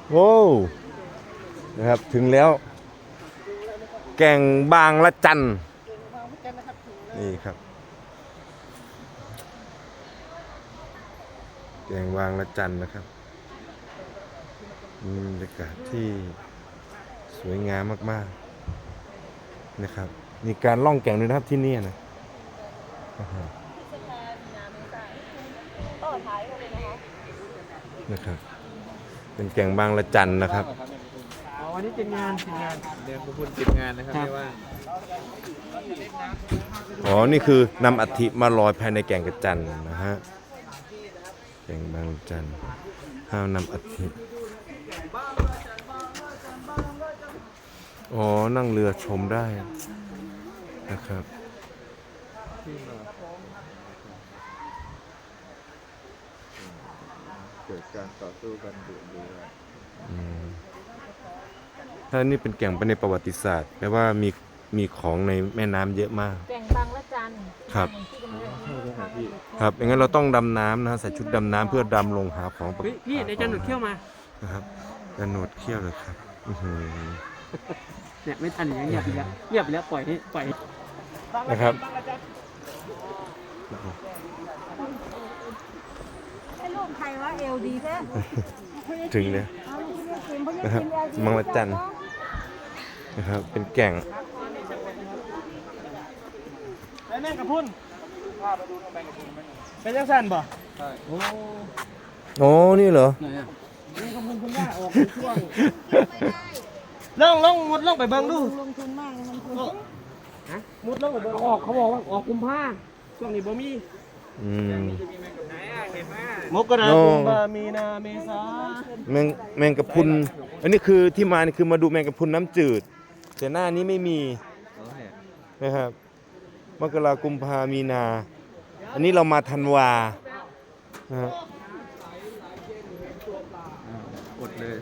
โอ้นะครับถึงแล้วแก่งบางละจันนี่ครับแก่งบางละจันนะครับมีบรรยากาศที่สวยงามมากๆนะครับมีการล่องแก่งด้วยนะครับที่นี่นะครับเป็นแก่งบางละจันนะครับวันนี้เป็นงานเดินบุญติดงานนะครับไม่ว่าอ๋อนี่คือนำอัฐิมาลอยภายในแก่งกระจันนะฮะแก่งบางละจันห้ามนำอัฐิอ๋อนั่งเรือชมได้นะครับเกิดการต่อสู้กันดุเดือดถ้านี่เป็นแก่งไปในประวัติศาสตร์แปลว่ามีของในแม่น้ำเยอะมากแก่งบางละจันครับครับอย่างนั้นเราต้องดำน้ำนะใส่ชุดดำน้ำเพื่อดำลงหาของพี่ในจันหนุดเขี้ยวมานะครับจันหนุดเขี้ยวเลยครับเนี่ยไม่ทันอย่างเงียบไปแล้วปล่อยนะครับไอ้ลูกใครวะเอลดีแท้ถึงเลยนะครับบางละจันนะครับเป็นแก่งไปแม่กับพุ่นเป็นยังสั้นป่ะใช่โอ้นี่เหรอนี่กับพุ่นคุณย่าออกช่วงมุดลงไปเบิ้งดูลงทุนมากลงทุนมุดลงไปเบิ้งออกเขาบอกว่าออกกุมภาช่วงนี้บ่มีมกราคมมีนาเมษาแมงกะพรุนอันนี้คือที่มานี่คือมาดูแมงกะพรุนน้ำจืดแต่หน้านี้ไม่มีนะครับมกราคมกุมภามีนาอันนี้เรามาธันวานะครับอดเลย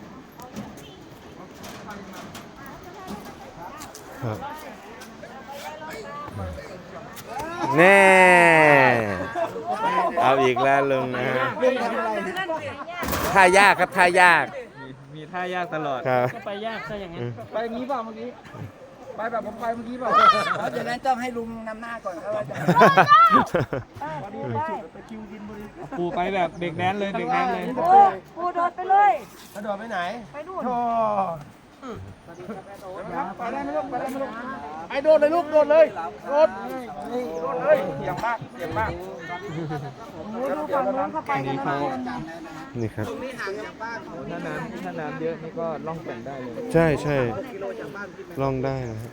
ครับแน่เอาอีกแล้วลุงนะฮะท่ายากครับท่ายากมีท่ายากตลอดก็ไปยากซะอย่างนั้นไปอย่างนี้เปล่าเมื่อกี้ไปแบบผมไปเมื่อกี้เปล่าเพราะฉะนั้นต้องให้ลุงนำหน้าก่อนครับไปคิวกินบุรีปูไปแบบเบรกแดนเลยเบรกแดนเลยปูโดดไปเลยโดดไปไหนไปนู่นไปได้ไหมลูกไปได้ไหมลูกไอ้โดดเลยลูกโดดเลยโดดเลยเสียงมากดูฝั่งนู้นเข้าไปกันนะนี่ครับถ้าน้ำเยอะนี่ก็ล่องแก่งได้เลยใช่ล่องได้นะฮะ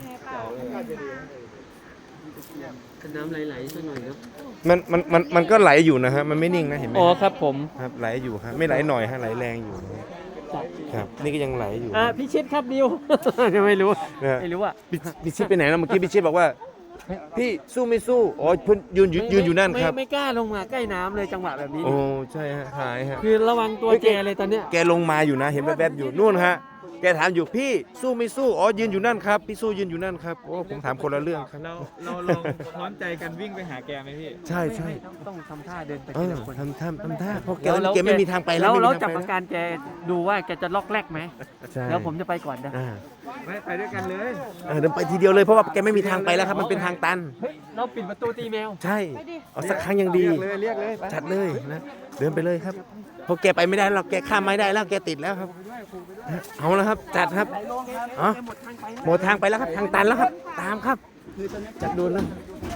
น้ำไหลๆสักหน่อยครับมันก็ไหลอยู่นะฮะมันไม่นิ่งนะเห็นไหมอ๋อครับผมครับไหลอยู่ครับไม่ไหลหน่อยฮะไหลแรงอยู่ครับนี่ก็ยังไหลอยู่พี่ชิดครับดิวไม่รู้อ่ะพี่ชิดไปไหนนะเมื่อกี้พี่ชิดบอกว่าพี่สู้ไม่สู้อ๋อเพิ่นยืนอยู่นั่นครับไม่กล้าลงมาใกล้น้ำเลยจังหวะแบบนี้โอ้ใช่ฮะหายฮะคือระวังตัวแกเลยตอนเนี้ยแกลงมาอยู่นะเห็นแวบๆอยู่นู่นฮะแกถามอยู่พี่สู้ไม่สู้อ๋อยืนอยู่นั่นครับพี่สู้ยืนอยู่นั่นครับโอ้ผมถามคนละเรื่องครับเราลองพร้อมใจกันวิ่งไปหาแกไหมพี่ใช่ต้องทำท่าเดินไปทีละคนทำท่าเพราะแกไม่มีทางไปแล้วจับอาการแกดูว่าแกจะล็อกแรกไหมแล้วผมจะไปก่อนนะไปด้วยกันเลยเดินไปทีเดียวเลยเพราะว่าแกไม่มีทางไปแล้วครับมันเป็นทางตันเราปิดประตูตีแมวใช่เอาสักครั้งยังดีเรียกเลยจัดเลยนะเดินไปเลยครับเพราะแกไปไม่ได้แล้วแกข้ามไม่ได้แล้วแกติดแล้วครับเอาแล้วครับจัดครับอ๋อหมดทางไปแล้วครับทางตันแล้วครับตามครับจัดดูนะ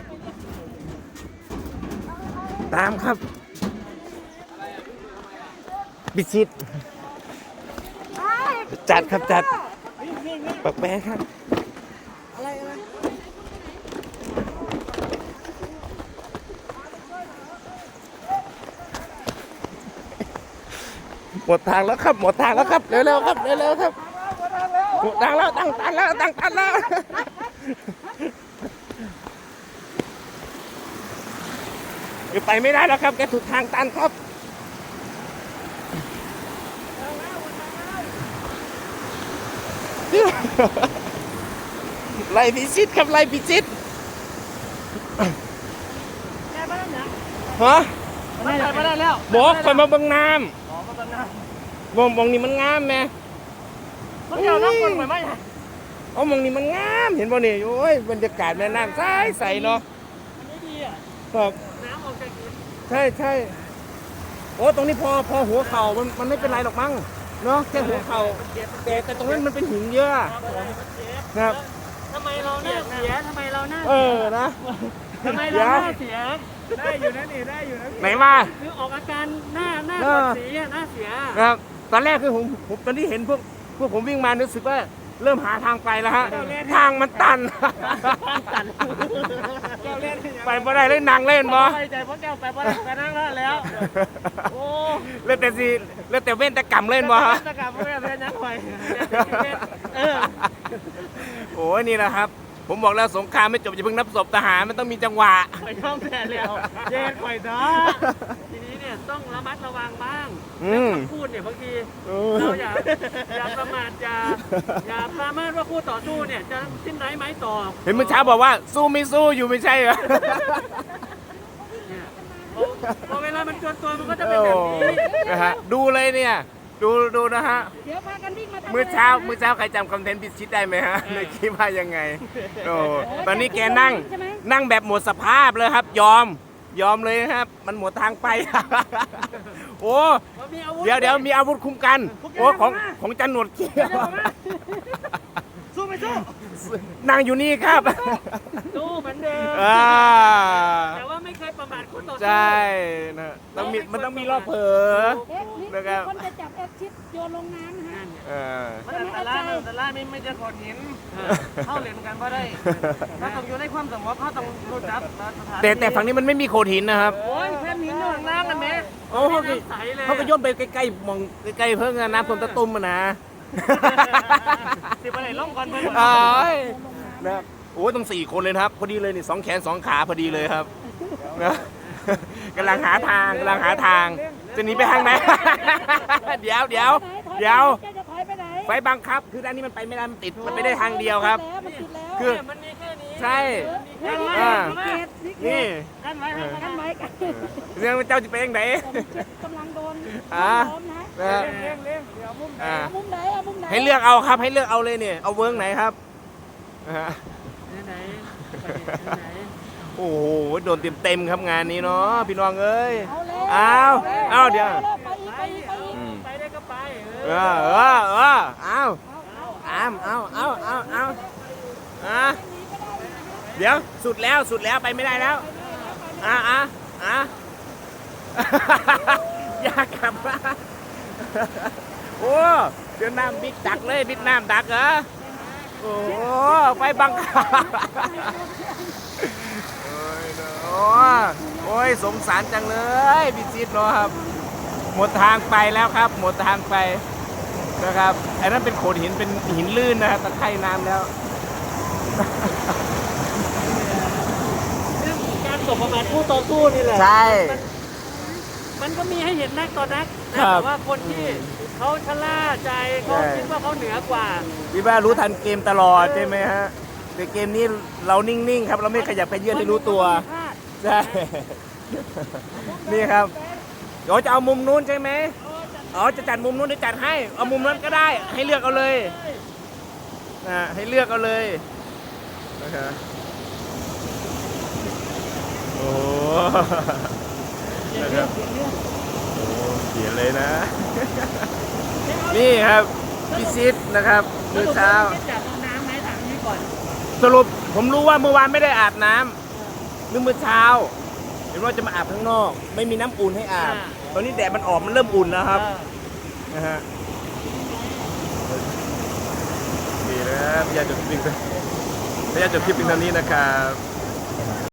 ตามครับบิชิตจัดครับจัดปักแปะครับหมดทางแล้วครับหมดทางแล้วครับเร็วๆครับเร็วๆครับหมดทางแล้วตั้งตันแล้วไปไม่ได้แล้วครับแกถูกทางตันครับไล่พิชิตครับไล่พิชิตฮะไม่ได้แล้วบอกคอยมาบังน้ำมองนี่มันงามไหมมันเกี่ยวน้ำคนไหมเอามองนี่มันงามเห็นบ่นี่โอ้ยบรรยากาศแม่น้ำใสเนาะอันนี้ดีอ่ะครับน้ำออกจากหินใช่โอ้ตรงนี้พอหัวเข่ามันไม่เป็นไรหรอกมั้งเนาะแค่หัวเข่าแต่ตรงนั้นมันเป็นหินเยอะนะครับทำไมเราหน้าเสียทำไมเราหน้านะทำไมเราหน้าเสียได้อยู่นะนี่ได้อยู่นะไหนมาคือออกอาการหน้าปวดสีอ่ะหน้าเสียนะครับตอนแรกคือผมตอนที่เห็นพวกผมวิ่งมารู้สึกว่าเริ่มหาทางไปแล้วฮะทางมันตัน ไปบ่ได้เล่นนางเล่นบ่ไปใจพวกแก้วไปบ่ได้ไปนั่งแล้วโอ้เล่นแต่สิเล่นแต่เว้นแต่กำเล่นบ่ฮะตะกาบไม่ได้นักหอยโอ้ยนี่นะครับ ผมบอกแล้วสงครามไม่จบอย่าเพิ่งนับศพทหารมันต้องมีจังหวะไปท่องแทนแล้วเย็นข่อยด้าทีนี้เนี่ยต้องระมัดระวังบ้างพูดเนี่ยบางทีเราอย่าประมาทอย่าประมาทว่าคู่ต่อสู้เนี่ยจะสิ้นไหนไหมต่อเห็นเมื่อเช้าบอกว่าสู้ไม่สู้อยู่ไม่ใช่เหรอพอเวลามันจวนตัวมันก็จะเป็นแบบนี้นะฮะดูเลยเนี่ยดูนะฮะเดี๋ยวพากันวิ่งมาทำเมื่อเช้าใครจำคอนเทนต์พิชิตได้ไหมฮะในคลิปว่ายังไงโอ้ตอนนี้แกนั่งแบบหมดสภาพเลยครับ ยอมเลยนะครับ มันหมดทางไป โอ้เดี๋ยวมีอาวุธคุ้มกันโอ้ของจันหนวดเขี้ยวสู้ไม่สู้นั่งอยู่นี่ครับสู้เหมือนเดิมอ่าแต่ว่าไม่เคยประมาทคู่ต่อสู้ใช่นะมันต้องมีรอบเผลอนี่นะครับคนจะจับแอคชิดโยนลงน้ำนะฮะมันอันตรายไม่จะกดหินเข้าเหรียญกันก็ได้ถ้าต้องอยู่ในความสงบเขาต้องรู้จักสถานแต่ฝั่งนี้มันไม่มีโขดหินนะครับโอ้ยแค่หินอยู่ข้างล่างกันไหมโอ้เขาก็โยนไปใกล้ๆมองใกล้ๆเพิ่งน้ำท่วมตะตุ่มนะสิบอะไรล่องก่อนเพื่อนโอ้ยนะครับโอ้ยต้อง4 คนเลยนะครับ พอดีเลยนี่2 แขน 2 ขาพอดีเลยครับนะกำลังหาทางจะหนีไปทางไหน เดี๋ยวจะถอยไปไหนไฟบังคับ คือด้านนี้มันไปไม่ได้มันติดมันไม่ได้ทางเดียวครับมันติดแล้วคือมันมีแค่นี้ใช่นี่นี่กันไว้กันไว้กันเรื่องเจ้าจะไปยังไงกำลังโดนอ่าล้อมนะนะเลี้ยงเดี๋ยวมุมอ่าเอามุมไหนเอามุมไหนให้เลือกเอาครับให้เลือกเอาเลยเนี่ยเอาเวิร์กไหนครับอ่าไหนโอ้โหโดนเต็มครับงานนี้เนาะพี่น้องเอ้ยเอาแล้วเอาเดี๋ยวไปอีกไปอีกไปอีกไปได้ก็ไปเอาเดี๋ยวสุดแล้วไปไม่ได้แล้วอยากกลับบ้านโอ้เดี๋ยวน้ำบิ๊กดักเลยบิ๊กน้ำดักเหรอโอ้ไปบังคับโอ้ยสงสารจังเลยพี่จิ๊ดเนาะครับหมดทางไปแล้วครับหมดทางไปนะครับไอ้นั่นเป็นโขดหินเป็นหินลื่นนะครับตะไคร่น้ำแล้วการตกประมาทคู่ต่อสู้นี่แหละใช่มันก็มีให้เห็นนักต่อนักแต่ว่าคนที่เขาชะล่าใจเขาคิดว่าเขาเหนือกว่าพี่บ้ารู้ทันเกมตลอดใช่ไหมฮะแต่เกมนี้เรานิ่งๆครับเราไม่ขยับไปเยื่อนให้รู้ตัวใช่นี่ครับเดี๋ยวจะเอามุมนู้นใช่ไหมอ๋อจะจัดมุมนู้นจะจัดให้เอามุมนั้นก็ได้ให้เลือกเอาเลยให้เลือกเอาเลยนะครับโอ้นะครับโอ้เขียนเลยนะ นี่ครับพิชิตนะครับมื้อเช้าจับน้ำไหมถามนี้ก่อนสรุปผมรู้ว่าเมื่อวานไม่ได้อาบน้ำนึกมื้อเช้าเห็นว่าจะมาอาบข้างนอก ไม่มีน้ำอุ่นให้อาบ ตอนนี้แดดมันออกมันเริ่มอุ่นแล้วครับนะฮะดีนะครับพยายามจบคลิปเพียงเท่านี้นะครับ